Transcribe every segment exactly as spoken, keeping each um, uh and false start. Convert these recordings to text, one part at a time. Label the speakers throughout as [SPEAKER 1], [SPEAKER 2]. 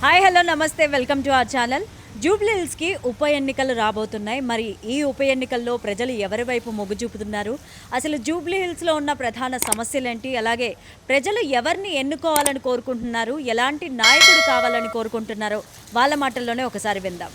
[SPEAKER 1] Hi hello నమస్తే welcome to our channel. Jubilee హిల్స్కి ఉప ఎన్నికలు రాబోతున్నాయి. మరి ఈ ఉప ఎన్నికల్లో ప్రజలు ఎవరి వైపు మొగ్గు చూపుతున్నారు, అసలు జూబ్లీ హిల్స్లో ఉన్న ప్రధాన సమస్యలేంటి, అలాగే ప్రజలు ఎవరిని ఎన్నుకోవాలని కోరుకుంటున్నారు, ఎలాంటి నాయకుడు కావాలని కోరుకుంటున్నారో వాళ్ళ మాటల్లోనే ఒకసారి విందాం.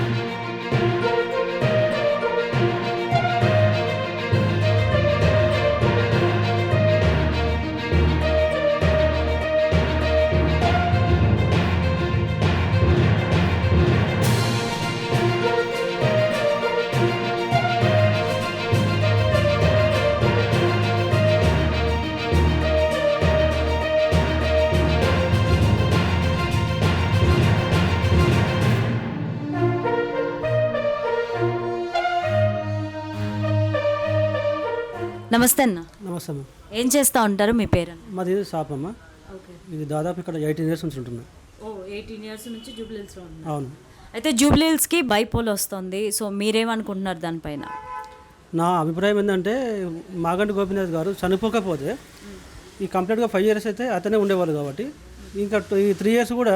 [SPEAKER 1] నమస్తే అన్న.
[SPEAKER 2] నమస్తే అమ్మ.
[SPEAKER 1] ఏం చేస్తూ ఉంటారు, మీ పేరు?
[SPEAKER 2] మాది షాప్ అమ్మ.
[SPEAKER 1] ఓకే.
[SPEAKER 2] ఇది దాదాపు ఇక్కడ ఎయిటీన్ ఇయర్స్ నుంచి ఉంటున్నా.
[SPEAKER 1] ఓ ఎయిటీన్ ఇయర్స్ నుంచి జూబ్లీ హిల్స్లో ఉన్నారు.
[SPEAKER 2] అవును.
[SPEAKER 1] అయితే జూబ్లీ హిల్స్కి బైపోల్ వస్తుంది, సో మీరేమనుకుంటున్నారు దానిపైన?
[SPEAKER 2] నా అభిప్రాయం ఏంటంటే మాగంటి గోపీనాథ్ గారు చనిపోకపోతే ఈ కంప్లీట్గా ఫైవ్ ఇయర్స్ అయితే అతనే ఉండేవాళ్ళు కాబట్టి ఇంకా ఈ త్రీ ఇయర్స్ కూడా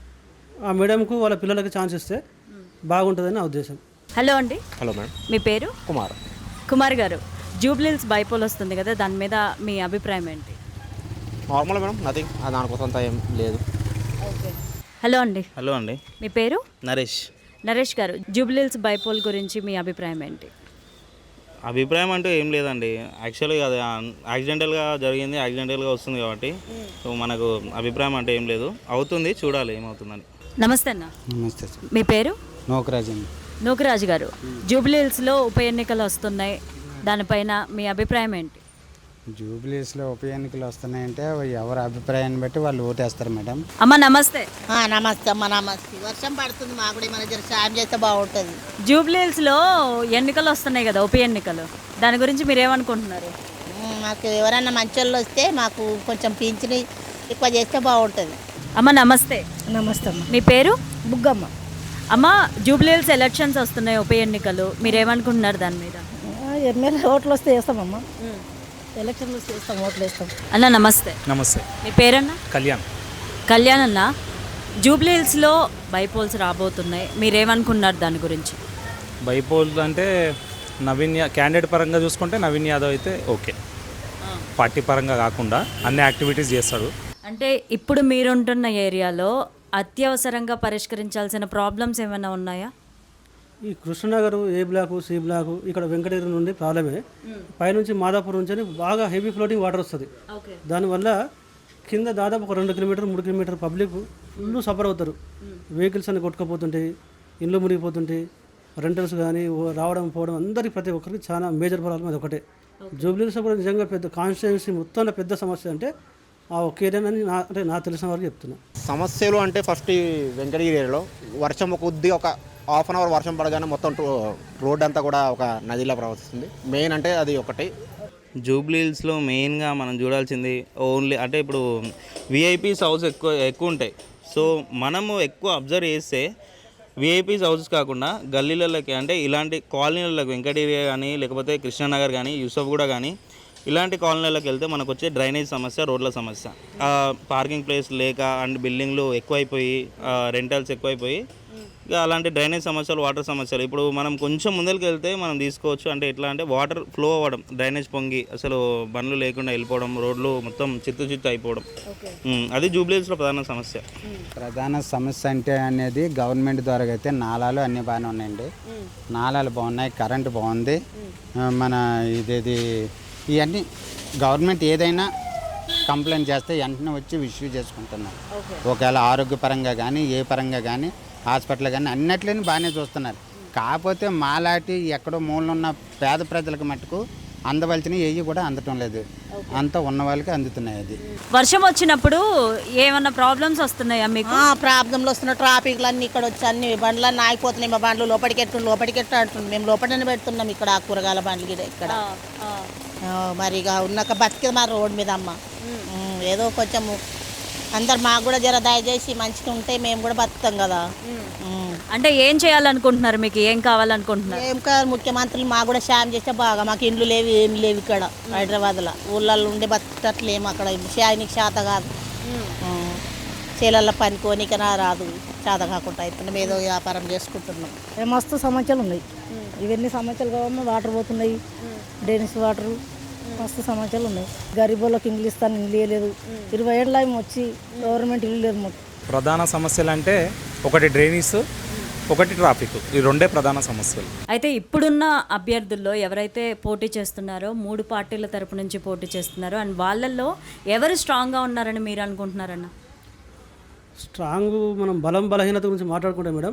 [SPEAKER 2] ఆ మేడంకు వాళ్ళ పిల్లలకి ఛాన్స్ ఇస్తే బాగుంటుందని నా ఉద్దేశం.
[SPEAKER 1] హలో అండి.
[SPEAKER 3] Hello madam.
[SPEAKER 1] మీ పేరు?
[SPEAKER 3] కుమార్.
[SPEAKER 1] కుమార్ గారు, జూబ్లీ హిల్స్ బైపోల్ వస్తుంది కదా, దాని మీద మీ అభిప్రాయం ఏంటి?
[SPEAKER 3] Normal madam, nothing. దానికోసం అంతా ఏం లేదు.
[SPEAKER 1] ఓకే. హలో అండి.
[SPEAKER 4] హలో అండి.
[SPEAKER 1] మీ పేరు?
[SPEAKER 4] నరేష్.
[SPEAKER 1] నరేష్ గారు, జూబ్లీ హిల్స్ బైపోల్ గురించి మీ అభిప్రాయం ఏంటి?
[SPEAKER 4] అభిప్రాయం అంటూ ఏం లేదండి. యాక్చువల్గా అది యాక్సిడెంటల్గా జరిగింది, యాక్సిడెంటల్గా వస్తుంది కాబట్టి సో మనకు అభిప్రాయం అంటే ఏం లేదు. అవుతుంది, చూడాలి ఏమవుతుందని.
[SPEAKER 1] నమస్తే అన్న.
[SPEAKER 5] నమస్తే సార్.
[SPEAKER 1] మీ పేరు?
[SPEAKER 5] నోకరాజ్ అండి.
[SPEAKER 1] నూకరాజు గారు, జూబ్లీ హిల్స్లో ఉప ఎన్నికలు వస్తున్నాయి, దానిపైన మీ అభిప్రాయం ఏంటి?
[SPEAKER 5] జూబ్లీస్లో ఉప ఎన్నికలు వస్తున్నాయంటే ఎవరి అభిప్రాయాన్ని బట్టి వాళ్ళు ఓటేస్తారు మేడం.
[SPEAKER 1] అమ్మ నమస్తే.
[SPEAKER 6] నమస్తే అమ్మ. నమస్తే. వర్షం పడుతుంది, మాకు కూడా మన జర సాయం చేస్తే బాగుంటుంది.
[SPEAKER 1] జూబ్లీ హిల్స్లో ఎన్నికలు వస్తున్నాయి కదా, ఉప ఎన్నికలు, దాని గురించి మీరు ఏమనుకుంటున్నారు?
[SPEAKER 6] మాకు ఎవరైనా మంచి వాళ్ళు వస్తే మాకు కొంచెం పింఛని ఎక్కువ చేస్తే బాగుంటుంది.
[SPEAKER 1] అమ్మ నమస్తే.
[SPEAKER 6] నమస్తే అమ్మ.
[SPEAKER 1] మీ పేరు?
[SPEAKER 6] బుగ్గమ్మ.
[SPEAKER 1] అమ్మ, జూబ్లీ హిల్స్ ఎలక్షన్స్ వస్తున్నాయి, ఉప ఎన్నికలు, మీరు ఏమనుకుంటున్నారు దాని మీద?
[SPEAKER 6] ఎమ్మెల్యే ఓట్లు వస్తే వేస్తామమ్మ. ఎలక్షన్లు వస్తే వేస్తాం, ఓట్లు వేస్తాం.
[SPEAKER 1] అన్న నమస్తే.
[SPEAKER 7] నమస్తే.
[SPEAKER 1] మీ పేరన్నా?
[SPEAKER 7] కళ్యాణ్.
[SPEAKER 1] కళ్యాణ్ అన్న, జూబ్లీ హిల్స్లో బైపోల్స్ రాబోతున్నాయి, మీరేమనుకున్నారు దాని గురించి?
[SPEAKER 7] బైపోల్ అంటే నవీన్ యా క్యాండిడేట్ పరంగా చూసుకుంటే నవీన్ యాదవ్ అయితే ఓకే, పార్టీ పరంగా కాకుండా అన్ని యాక్టివిటీస్ చేస్తాడు.
[SPEAKER 1] అంటే ఇప్పుడు మీరుంటున్న ఏరియాలో అత్యవసరంగా పరిష్కరించాల్సిన ప్రాబ్లమ్స్ ఏమైనా ఉన్నాయా?
[SPEAKER 2] ఈ Krishnanagar A block C block ఇక్కడ వెంకటగిరి నుండి ప్రాబ్లమే. పైనుంచి మాదాపూర్ నుంచి అని బాగా హెవీ ఫ్లోటింగ్ వాటర్ వస్తుంది. దానివల్ల కింద దాదాపు ఒక రెండు కిలోమీటర్ మూడు కిలోమీటర్ పబ్లిక్ ఫుల్ సఫర్ అవుతారు. వెహికల్స్ అన్ని కొట్టుకుపోతుంటాయి, ఇండ్లు మునిగిపోతుంటాయి, రెంటల్స్ కానీ రావడం పోవడం అందరికీ ప్రతి ఒక్కరికి చాలా మేజర్ ప్రాబ్లం అది ఒకటే. జూబ్లీహిల్స్ కూడా నిజంగా పెద్ద కాన్స్టిట్యున్సీ మొత్తంలో పెద్ద సమస్య అంటే ఆ ఒక ఏరియా అని నా అంటే నాకు తెలిసిన వరకు చెప్తున్నా.
[SPEAKER 3] సమస్యలు అంటే ఫస్ట్ ఈ వెంకటగిరి ఏరియాలో వర్షం కొద్దిగా ఒక హాఫ్ అన్ అవర్ వర్షం పడగానే మొత్తం రోడ్ అంతా కూడా ఒక నదిలా ప్రవర్తిస్తుంది. మెయిన్ అంటే అది ఒకటి.
[SPEAKER 4] జూబ్లీ హిల్స్లో మెయిన్గా మనం చూడాల్సింది ఓన్లీ అంటే ఇప్పుడు విఐపీస్ హౌస్ ఎక్కువ ఎక్కువ ఉంటాయి. సో మనము ఎక్కువ అబ్జర్వ్ చేస్తే విఐపీస్ హౌసెస్ కాకుండా గల్లీలకి అంటే ఇలాంటి కాలనీలకు వెంకటగిరి కానీ లేకపోతే కృష్ణానగర్ కానీ యూసఫ్గూడ కానీ ఇలాంటి కాలనీలకు వెళ్తే మనకు వచ్చే డ్రైనేజ్ సమస్య, రోడ్ల సమస్య, పార్కింగ్ ప్లేస్ లేక అండ్ బిల్డింగ్లు ఎక్కువైపోయి రెంటల్స్ ఎక్కువైపోయి ఇక అలాంటి డ్రైనేజ్ సమస్యలు, వాటర్ సమస్యలు ఇప్పుడు మనం కొంచెం ముందరికి వెళ్తే మనం తీసుకోవచ్చు. అంటే ఎట్లా అంటే వాటర్ ఫ్లో అవ్వడం, డ్రైనేజ్ పొంగి అసలు బండ్లు లేకుండా వెళ్ళిపోవడం, రోడ్లు మొత్తం చిత్తు చిత్తు అయిపోవడం, అది జూబ్లీ హిల్స్లో ప్రధాన సమస్య.
[SPEAKER 5] ప్రధాన సమస్య అంటే అనేది గవర్నమెంట్ ద్వారా అయితే నాలాలు అన్నీ బాగానే ఉన్నాయండి. నాలాలు బాగున్నాయి, కరెంటు బాగుంది. మన ఇదేది ఇవన్నీ గవర్నమెంట్ ఏదైనా కంప్లైంట్ చేస్తే వెంటనే వచ్చి ఇష్యూ చేసుకుంటున్నారు. ఒకవేళ ఆరోగ్యపరంగా కానీ ఏ పరంగా కానీ హాస్పిటల్ కానీ అన్నిట్లని బాగానే చూస్తున్నారు. కాకపోతే మాలాంటి ఎక్కడో మూలన ఉన్న పేద ప్రజలకు మట్టుకు అందవలసినవి ఏవి కూడా అందటం లేదు, అంతా ఉన్న వాళ్ళకి అందుతున్నాయి. అది
[SPEAKER 1] వర్షం వచ్చినప్పుడు ఏమన్నా ప్రాబ్లమ్స్ వస్తున్నాయా మీకు?
[SPEAKER 6] ప్రాబ్లంలు వస్తున్న ట్రాఫిక్లు అన్నీ ఇక్కడ వచ్చి అన్ని బండ్లన్నీ ఆగిపోతున్నాయి. మా బండ్లు లోపలికి ఎట్టు లోపలికి ఎట్టు అంటుంది. మేము లోపలనే పెడుతున్నాం ఇక్కడ కూరగాయల బండ్లు ఇక్కడ. మరి ఇక ఉన్నాక బతికేది మా రోడ్ మీద అమ్మ. ఏదో కొంచెం అందరు మాకు కూడా జర దయచేసి మంచిగా ఉంటే మేము కూడా బతుకుతాం కదా.
[SPEAKER 1] అంటే ఏం చేయాలనుకుంటున్నారు, మీకు ఏం కావాలనుకుంటున్నారు?
[SPEAKER 6] ఏం కాదు, ముఖ్యమంత్రులు మాకు కూడా సాయం చేస్తే బాగా. మాకు ఇండ్లు లేవు, ఏమి లేవు ఇక్కడ హైదరాబాద్లో. ఊళ్ళల్లో ఉండే బతుకట్లేము, అక్కడ సాయానికి శాత కాదు. చేలల్లో పని కోనికనా రాదు, చాద కాకుండా అవుతున్నాం, ఏదో వ్యాపారం చేసుకుంటున్నాం.
[SPEAKER 8] ఏ మస్తు సమస్యలు ఉన్నాయి. ఇవన్నీ సమస్యలు కావమ్మా, వాటర్ పోతున్నాయి, డ్రైనేజ్ వాటరు, మస్తు సమస్యలు ఉన్నాయి. గరీబులకు ఇల్లు ఇస్తాను, ఇల్లు లేదు. ఇరవై ఏళ్ళ వచ్చి గవర్నమెంట్ ఇల్లు లేదు మాకు.
[SPEAKER 7] ప్రధాన సమస్యలు అంటే ఒకటి డ్రైనేజ్, ఒకటి ట్రాఫిక్, ఈ రెండే ప్రధాన సమస్యలు.
[SPEAKER 1] అయితే ఇప్పుడున్న అభ్యర్థుల్లో ఎవరైతే పోటీ చేస్తున్నారో మూడు పార్టీల తరపు నుంచి పోటీ చేస్తున్నారో అండ్ వాళ్ళల్లో ఎవరు స్ట్రాంగ్గా ఉన్నారని మీరు అనుకుంటున్నారన్న?
[SPEAKER 2] స్ట్రాంగ్ మనం బలం బలహీనత గురించి మాట్లాడుకుంటాం మేడం.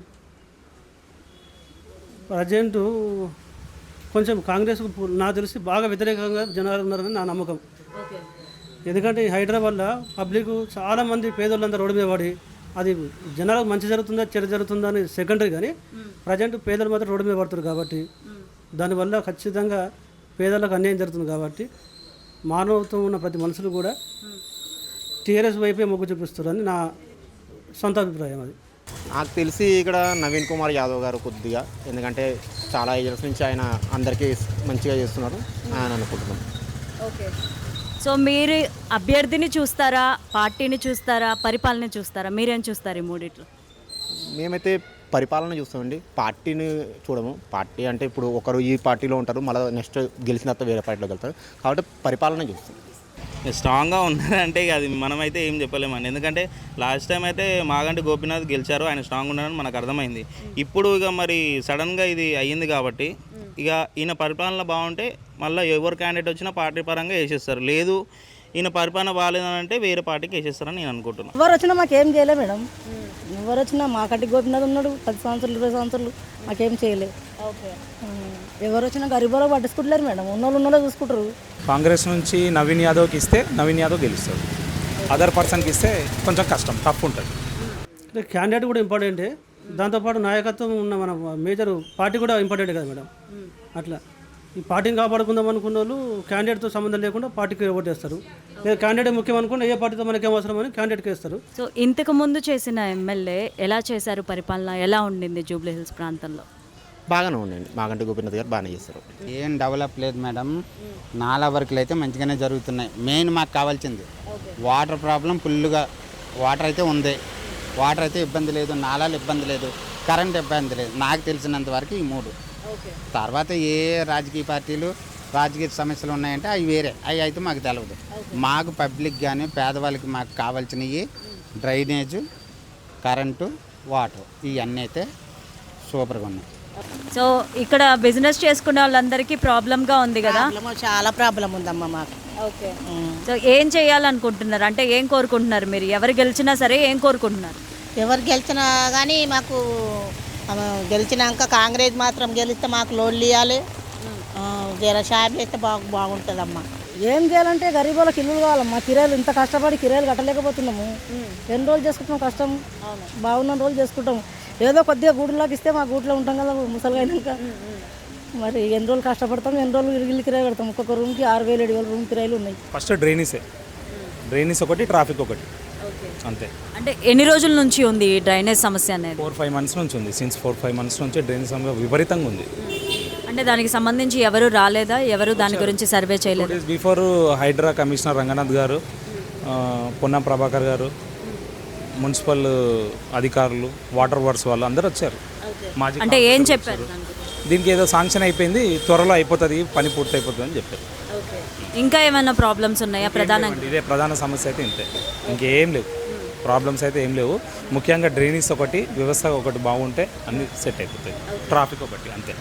[SPEAKER 2] ప్రజెంటు కొంచెం కాంగ్రెస్ నాకు తెలిసి బాగా వ్యతిరేకంగా జనాలు ఉన్నారని నా నమ్మకం. ఎందుకంటే ఈ హైదరాబాద్లో పబ్లిక్ చాలామంది పేదోళ్ళంతా రోడ్డు మీద పడి అది జనాలకు మంచి జరుగుతుందా చెడు జరుగుతుందా అని సెకండరీ, కానీ ప్రజెంట్ పేదలు మాత్రం రోడ్డు మీద పడుతున్నారు కాబట్టి దానివల్ల ఖచ్చితంగా పేదలకు అన్యాయం జరుగుతుంది. కాబట్టి మానవత్వం ఉన్న ప్రతి మనుషులు కూడా టీఆర్ఎస్ వైపే మొగ్గు చూపిస్తారని నా సొంత అభిప్రాయం. అది
[SPEAKER 3] నాకు తెలిసి ఇక్కడ నవీన్ కుమార్ యాదవ్ గారు కొద్దిగా, ఎందుకంటే చాలా ఇయర్స్ నుంచి ఆయన అందరికీ మంచిగా చేస్తున్నారు ఆయన అనుకుంటున్నాం.
[SPEAKER 1] ఓకే, సో మీరు అభ్యర్థిని చూస్తారా, పార్టీని చూస్తారా, పరిపాలన చూస్తారా? మీరేం చూస్తారు ఈ మూడిట్లో?
[SPEAKER 3] మేమైతే పరిపాలన చూస్తామండి, పార్టీని చూడము. పార్టీ అంటే ఇప్పుడు ఒకరు ఈ పార్టీలో ఉంటారు, మళ్ళీ నెక్స్ట్ గెలిచిన తర్వాత వేరే పార్టీలోకి వెళ్తారు, కాబట్టి పరిపాలన చూస్తాం.
[SPEAKER 4] స్ట్రాంగ్గా ఉన్నారంటే ఇక అది మనమైతే ఏం చెప్పలేమండి. ఎందుకంటే లాస్ట్ టైం అయితే మాగంటి గోపీనాథ్ గెలిచారు, ఆయన స్ట్రాంగ్ ఉన్నారని మనకు అర్థమైంది. ఇప్పుడు ఇక మరి సడన్గా ఇది అయ్యింది కాబట్టి ఇక ఈయన పరిపాలన బాగుంటే మళ్ళీ ఎవరు క్యాండిడేట్ వచ్చినా పార్టీ పరంగా వేసేస్తారు, లేదు ఈయన పరిపాలన బాగాలేదంటే వేరే పార్టీకి వేసేస్తారని నేను అనుకుంటున్నాను.
[SPEAKER 8] ఎవరు వచ్చినా మాకేం చేయలే మేడం, ఎవరు వచ్చినా మాకంటి గోపినాథ్ ఉన్నాడు పది సంవత్సరాలు ఇరవై సంవత్సరాలు మాకేం చేయలే. ఎవరు వచ్చినా గరీబులో పట్టించుకుంటలేరు మేడం, ఉన్నోళ్ళు ఉన్నోళ్ళు చూసుకుంటారు.
[SPEAKER 7] కాంగ్రెస్ నుంచి నవీన్ యాదవ్కి ఇస్తే నవీన్ యాదవ్ గెలుస్తాడు, అదర్ పర్సన్కి ఇస్తే కొంచెం కష్టం, టఫ్ ఉంటుంది.
[SPEAKER 2] అంటే క్యాండిడేట్ కూడా ఇంపార్టెంటే, దాంతోపాటు నాయకత్వం ఉన్న మన మేజర్ పార్టీ కూడా ఇంపార్టెంట్ కదా మేడం. అట్లా ఈ పార్టీని కాపాడుకుందాం అనుకున్న వాళ్ళు క్యాండిడేట్తో సంబంధం లేకుండా పార్టీకి ఓటేస్తారు, లేదా క్యాండిడేట్ ముఖ్యం అనుకుంటే ఏ పార్టీతో మనకి ఏం అవసరం అని క్యాండిడేట్కి వేస్తారు.
[SPEAKER 1] సో ఇంతకు ముందు చేసిన ఎమ్మెల్యే ఎలా చేశారు, పరిపాలన ఎలా ఉండింది జూబ్లీ హిల్స్ ప్రాంతంలో?
[SPEAKER 3] బాగానే ఉండండి, మాగంటి గోపీనాథ్ గారు బాగానే చేస్తారు.
[SPEAKER 5] ఏం డెవలప్ లేదు మేడం, నాలా వర్కులు అయితే మంచిగానే జరుగుతున్నాయి. మెయిన్ మాకు కావాల్సింది వాటర్ ప్రాబ్లం, ఫుల్గా వాటర్ అయితే ఉంది, వాటర్ అయితే ఇబ్బంది లేదు, నాలాలు ఇబ్బంది లేదు, కరెంట్ ఇబ్బంది లేదు. నాకు తెలిసినంత వరకు ఈ మూడు. తర్వాత ఏ రాజకీయ పార్టీలు రాజకీయ సమస్యలు ఉన్నాయంటే అవి వేరే, అవి అయితే మాకు తెలియదు. మాకు పబ్లిక్ కానీ పేదవాళ్ళకి మాకు కావాల్సినవి డ్రైనేజు, కరెంటు, వాటర్, ఇవన్నీ అయితే సూపర్గా ఉన్నాయి.
[SPEAKER 1] సో ఇక్కడ బిజినెస్ చేసుకునే వాళ్ళందరికీ ప్రాబ్లంగా ఉంది కదా?
[SPEAKER 6] ప్రాబ్లమ్ చాలా ప్రాబ్లం ఉందమ్మా మాకు.
[SPEAKER 1] ఓకే, సో ఏం చేయాలనుకుంటున్నారు, అంటే ఏం కోరుకుంటున్నారు మీరు? ఎవరు గెలిచినా సరే ఏం కోరుకుంటున్నారు?
[SPEAKER 6] ఎవరు గెలిచినా కానీ మాకు ఆ, గెలిచినాక కాంగ్రెస్ మాత్రం గెలిస్తే మాకు లోన్లు ఇవ్వాలి, జర షాపులు అయితే బాగు బాగుంటుందమ్మా.
[SPEAKER 8] ఏం చేయాలంటే గరీబులకు ఇల్లు కావాలమ్మా, కిరాయిలు ఇంత కష్టపడి కిరాయిలు కట్టలేకపోతున్నాము. ఎన్ని రోజులు చేసుకుంటాం కష్టం, బాగున్న రోజులు చేసుకుంటాం. ఏదో కొద్దిగా గూడులోకి ఇస్తే మా గూట్లో ఉంటాం కదా ముసలిగా అయినాక, మరి ఎన్ని రోజులు కష్టపడతాం, ఎన్ని రోజులు ఇల్లు కిరాయి పెడతాం. ఒక్కొక్క రూమ్కి ఆరు వేలు ఏడు వేలు రూమ్ కిరాయిలు ఉన్నాయి.
[SPEAKER 7] ఫస్ట్ డ్రైనేజే, డ్రైనేజ్ ఒకటి, ట్రాఫిక్ ఒకటి, అంతే.
[SPEAKER 1] అంటే ఎన్ని రోజుల నుంచి ఉంది ఈ డ్రైనేజ్ సమస్య అనేది?
[SPEAKER 7] ఫోర్ ఫైవ్ మంత్స్ నుంచి ఉంది, సిన్స్ ఫోర్ ఫైవ్ మంత్స్ నుంచి డ్రైనేజ్ సమస్య విపరీతంగా ఉంది.
[SPEAKER 1] అంటే దానికి సంబంధించి ఎవరు రాలేదా, ఎవరు దాని గురించి సర్వే చేయలేదు?
[SPEAKER 7] బిఫోర్ హైడ్రా కమిషనర్ రంగనాథ్ గారు, పొన్నం ప్రభాకర్ గారు, మున్సిపల్ అధికారులు, వాటర్ వర్క్స్ వాళ్ళు అందరూ వచ్చారు. మాజీ
[SPEAKER 1] అంటే ఏం చెప్పారు?
[SPEAKER 7] దీనికి ఏదో శాంక్షన్ అయిపోయింది, త్వరలో అయిపోతుంది, పని పూర్తి అయిపోతుంది అని చెప్పారు.
[SPEAKER 1] ఇంకా ఏమైనా ప్రాబ్లమ్స్ ఉన్నాయా? ప్రధానంగా
[SPEAKER 7] ఇదే ప్రధాన సమస్య అయితే ఇంతే, ఇంకేం లేవు, ప్రాబ్లమ్స్ అయితే ఏం లేవు. ముఖ్యంగా డ్రైనేజ్ ఒకటి, వ్యవస్థ ఒకటి బాగుంటే అన్ని సెట్ అయిపోతాయి. ట్రాఫిక్ ఒకటి, అంతే.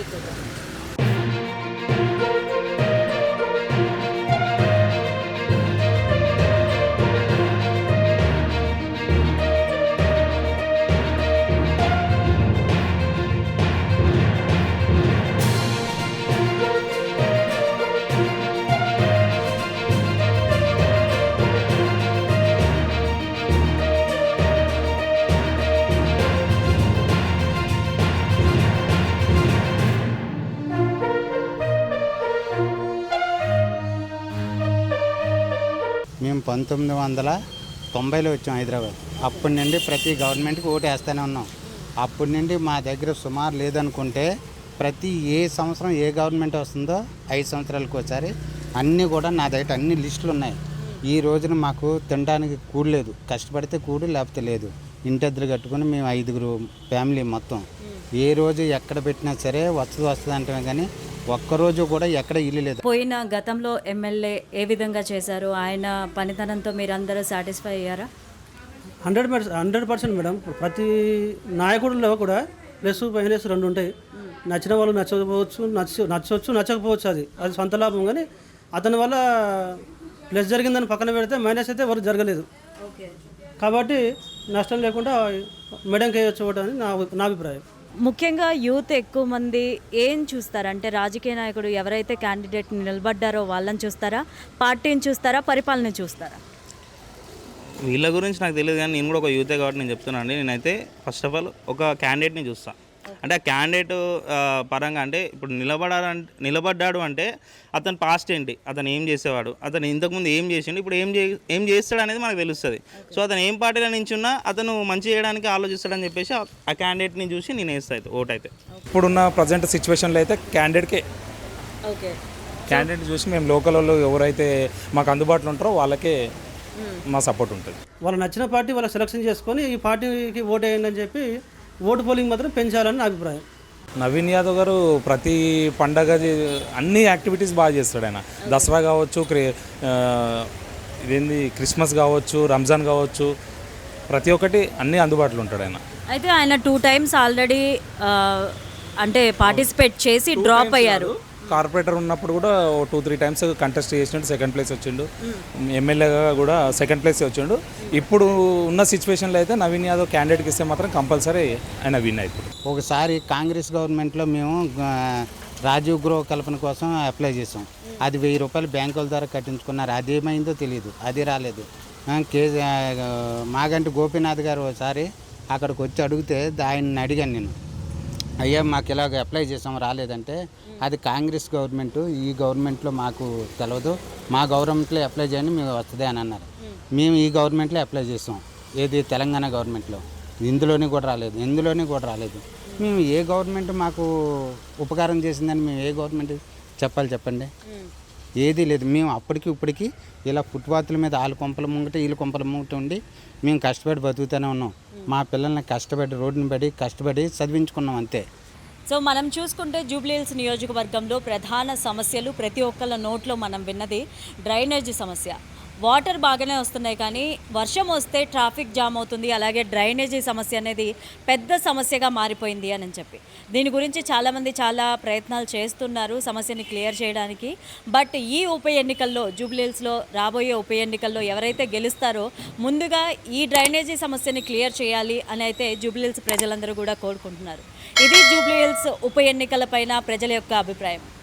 [SPEAKER 5] మేము పంతొమ్మిది వందల తొంభైలో వచ్చాం హైదరాబాద్. అప్పటి నుండి ప్రతి గవర్నమెంట్కి ఓటు వేస్తూనే ఉన్నాం. అప్పటి నుండి మా దగ్గర సుమారు లేదనుకుంటే ప్రతి ఏ సంవత్సరం ఏ గవర్నమెంట్ వస్తుందో ఐదు సంవత్సరాలకు ఒకసారి అన్నీ కూడా నా దగ్గర అన్ని లిస్టులు ఉన్నాయి. ఈ రోజున మాకు తినడానికి కూడు లేదు, కష్టపడితే కూడు లేకపోతే లేదు. ఇంటెద్దరు కట్టుకుని మేము ఐదుగురు ఫ్యామిలీ మొత్తం ఏ రోజు ఎక్కడ పెట్టినా సరే వస్తుంది వస్తుంది అంటామే కానీ ఒక్కరోజు కూడా ఎక్కడ ఇల్లు లేదు.
[SPEAKER 1] పోయిన గతంలో ఎమ్మెల్యే ఏ విధంగా చేశారు, ఆయన పనితనంతో మీరందరూ సాటిస్ఫై అయ్యారా?
[SPEAKER 2] Hundred percent hundred percent madam. ప్రతి నాయకుడిలో కూడా ప్లస్ మైనస్ రెండు ఉంటాయి. నచ్చిన వాళ్ళు నచ్చకపోవచ్చు, నచ్చ నచ్చవచ్చు నచ్చకపోవచ్చు, అది అది సొంత లాభం. కానీ అతని వల్ల ప్లస్ జరిగిందని పక్కన పెడితే మైనస్ అయితే ఎవరికి జరగలేదు. కాబట్టి నష్టం లేకుండా మేడంకి వేయచ్చు అని నా నా అభిప్రాయం.
[SPEAKER 1] ముఖ్యంగా యూత్ ఎక్కువ మంది ఏం చూస్తారా అంటే రాజకీయ నాయకుడు ఎవరైతే క్యాండిడేట్ నిలబడ్డారో వాళ్ళని చూస్తారా, పార్టీని చూస్తారా, పరిపాలన చూస్తారా?
[SPEAKER 4] వీళ్ళ గురించి నాకు తెలియదు కానీ నేను కూడా ఒక యూతే కాబట్టి నేను చెప్తున్నాను అండి. నేనైతే ఫస్ట్ ఆఫ్ ఆల్ ఒక క్యాండిడేట్ని చూస్తాను. అంటే ఆ క్యాండిడేట్ పరంగా అంటే ఇప్పుడు నిలబడాలంటే నిలబడ్డాడు అంటే అతని పాస్ట్ ఏంటి, అతను ఏం చేసేవాడు, అతను ఇంతకుముందు ఏం చేసిండు, ఇప్పుడు ఏం చే ఏం చేస్తాడు అనేది మనకు తెలుస్తుంది. సో అతను ఏం పార్టీలో నించున్నా అతను మంచి చేయడానికి ఆలోచిస్తాడని చెప్పేసి ఆ క్యాండిడేట్ని చూసి నేను వేస్తాను ఓట్. అయితే
[SPEAKER 7] ఇప్పుడున్న ప్రజెంట్ సిచ్యువేషన్లో అయితే క్యాండిడేట్కే
[SPEAKER 1] ఓకే
[SPEAKER 7] క్యాండిడేట్ చూసి మేము లోకల్ వాళ్ళు ఎవరైతే మాకు అందుబాటులో ఉంటారో వాళ్ళకే మా సపోర్ట్ ఉంటుంది.
[SPEAKER 2] వాళ్ళు నచ్చిన పార్టీ వాళ్ళు సెలెక్షన్ చేసుకొని ఈ పార్టీకి ఓటు వేయండి అని చెప్పి ఓటు పోలింగ్ మాత్రం పెంచాలని నా అభిప్రాయం.
[SPEAKER 7] నవీన్ యాదవ్ గారు ప్రతి పండగ అన్ని యాక్టివిటీస్ బాగా చేస్తాడు. ఆయన దసరా కావచ్చు, క్రి ఇదేంది క్రిస్మస్ కావచ్చు, రంజాన్ కావచ్చు, ప్రతి ఒక్కటి అన్నీ అందుబాటులో ఉంటాడు ఆయన.
[SPEAKER 1] అయితే ఆయన టూ టైమ్స్ ఆల్రెడీ అంటే పార్టిసిపేట్ చేసి డ్రాప్ అయ్యారు.
[SPEAKER 7] కార్పొరేటర్ ఉన్నప్పుడు కూడా టూ త్రీ టైమ్స్ కంటెస్ట్ చేసినట్టు సెకండ్ ప్లేస్ వచ్చిండు. ఎమ్మెల్యేగా కూడా సెకండ్ ప్లేస్ వచ్చిండు. ఇప్పుడు ఉన్న సిచ్యువేషన్లో అయితే నవీన్ యాదవ్ క్యాండిడేట్కి ఇస్తే మాత్రం కంపల్సరీ ఆయన విన్ అయిపోతుంది.
[SPEAKER 5] ఒకసారి కాంగ్రెస్ గవర్నమెంట్లో మేము ఆ, రాజీవ్ గృహ కల్పన కోసం అప్లై చేసాం. అది వెయ్యి రూపాయలు బ్యాంకుల ద్వారా కట్టించుకున్నారు. అది ఏమైందో తెలియదు, అది రాలేదు. ఆ, కే ఆ, మాగంటి గోపీనాథ్ గారు ఒకసారి అక్కడికి వచ్చి అడిగితే ఆయన్ని అడిగాను నేను, అయ్యా మాకు ఇలాగ అప్లై చేసాం రాలేదంటే, అది కాంగ్రెస్ గవర్నమెంట్, ఈ గవర్నమెంట్లో మాకు తెలియదు, మా గవర్నమెంట్లో అప్లై చేయండి మేము వస్తుంది అని అన్నారు. మేము ఈ గవర్నమెంట్లో అప్లై చేసాం, ఏది తెలంగాణ గవర్నమెంట్లో, ఇందులోని కూడా రాలేదు, ఇందులోని కూడా రాలేదు. మేము ఏ గవర్నమెంట్ మాకు ఉపకారం చేసిందని మేము ఏ గవర్నమెంట్ చెప్పాలి చెప్పండి? ఏదీ లేదు. మేము అప్పటికి ఇప్పటికి ఇలా ఫుట్పాత్ల మీద ఆలు కొంపల ముంగట వీళ్ళు కొంపల ముంగట ఉండి మేము కష్టపడి బతుకుతూనే ఉన్నాం. మా పిల్లల్ని కష్టపడి రోడ్డుని పడి కష్టపడి చదివించుకున్నాం అంతే.
[SPEAKER 1] సో మనం చూసుకుంటే జూబ్లీహిల్స్ నియోజకవర్గంలో ప్రధాన సమస్యలు ప్రతి ఒక్కళ్ళ నోట్లో మనం విన్నది డ్రైనేజ్ సమస్య. వాటర్ బాగానే వస్తున్నాయి కానీ వర్షం వస్తే ట్రాఫిక్ జామ్ అవుతుంది, అలాగే డ్రైనేజీ సమస్య అనేది పెద్ద సమస్యగా మారిపోయింది అని చెప్పి దీని గురించి చాలామంది చాలా ప్రయత్నాలు చేస్తున్నారు సమస్యని క్లియర్ చేయడానికి. బట్ ఈ ఉప ఎన్నికల్లో జూబ్లీహిల్స్లో రాబోయే ఉప ఎన్నికల్లో ఎవరైతే గెలుస్తారో ముందుగా ఈ డ్రైనేజీ సమస్యని క్లియర్ చేయాలి అని అయితే జూబ్లీహిల్స్ ప్రజలందరూ కూడా కోరుకుంటున్నారు. ఇది జూబ్లీహిల్స్ ఉప ఎన్నికలపైన ప్రజల యొక్క అభిప్రాయం.